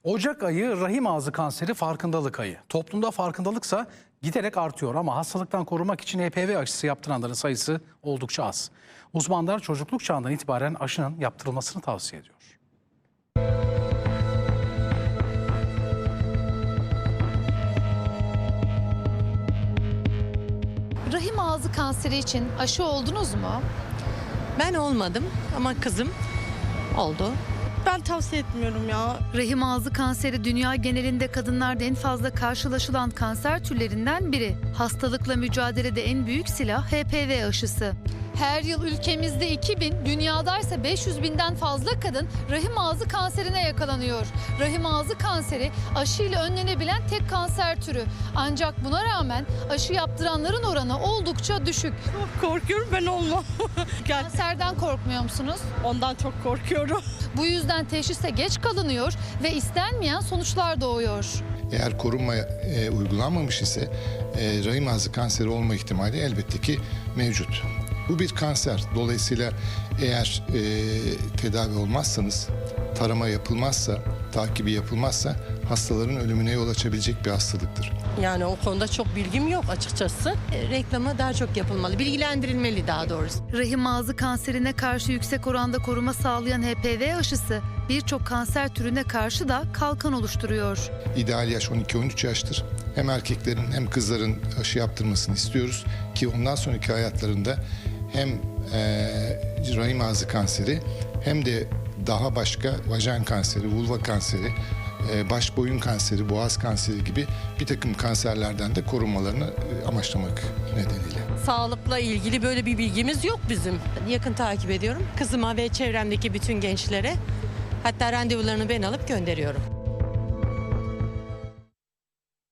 Ocak ayı rahim ağzı kanseri farkındalık ayı. Toplumda farkındalıksa giderek artıyor ama hastalıktan korumak için HPV aşısı yaptıranların sayısı oldukça az. Uzmanlar çocukluk çağından itibaren aşının yaptırılmasını tavsiye ediyor. Rahim ağzı kanseri için aşı oldunuz mu? Ben olmadım ama kızım oldu. Ben tavsiye etmiyorum ya. Rahim ağzı kanseri dünya genelinde kadınlarda en fazla karşılaşılan kanser türlerinden biri. Hastalıkla mücadelede en büyük silah HPV aşısı. Her yıl ülkemizde 2000, dünyadaysa 500.000'den fazla kadın rahim ağzı kanserine yakalanıyor. Rahim ağzı kanseri aşıyla önlenebilen tek kanser türü. Ancak buna rağmen aşı yaptıranların oranı oldukça düşük. Çok korkuyorum, ben olmam. Kanserden korkmuyor musunuz? Ondan çok korkuyorum. Bu yüzden teşhise geç kalınıyor ve istenmeyen sonuçlar doğuyor. Eğer korunma uygulanmamış ise rahim ağzı kanseri olma ihtimali elbette ki mevcut. Bu bir kanser. Dolayısıyla eğer tedavi olmazsanız, tarama yapılmazsa, takibi yapılmazsa hastaların ölümüne yol açabilecek bir hastalıktır. Yani o konuda çok bilgim yok açıkçası. Reklamı daha çok yapılmalı, bilgilendirilmeli daha doğrusu. Rahim ağzı kanserine karşı yüksek oranda koruma sağlayan HPV aşısı birçok kanser türüne karşı da kalkan oluşturuyor. İdeal yaş 12-13 yaştır. Hem erkeklerin hem kızların aşı yaptırmasını istiyoruz ki ondan sonraki hayatlarında hem rahim ağzı kanseri hem de daha başka vajen kanseri, vulva kanseri, baş boyun kanseri, boğaz kanseri gibi bir takım kanserlerden de korunmalarını amaçlamak nedeniyle. Sağlıkla ilgili böyle bir bilgimiz yok bizim. Yakın takip ediyorum kızıma ve çevremdeki bütün gençlere. Hatta randevularını ben alıp gönderiyorum.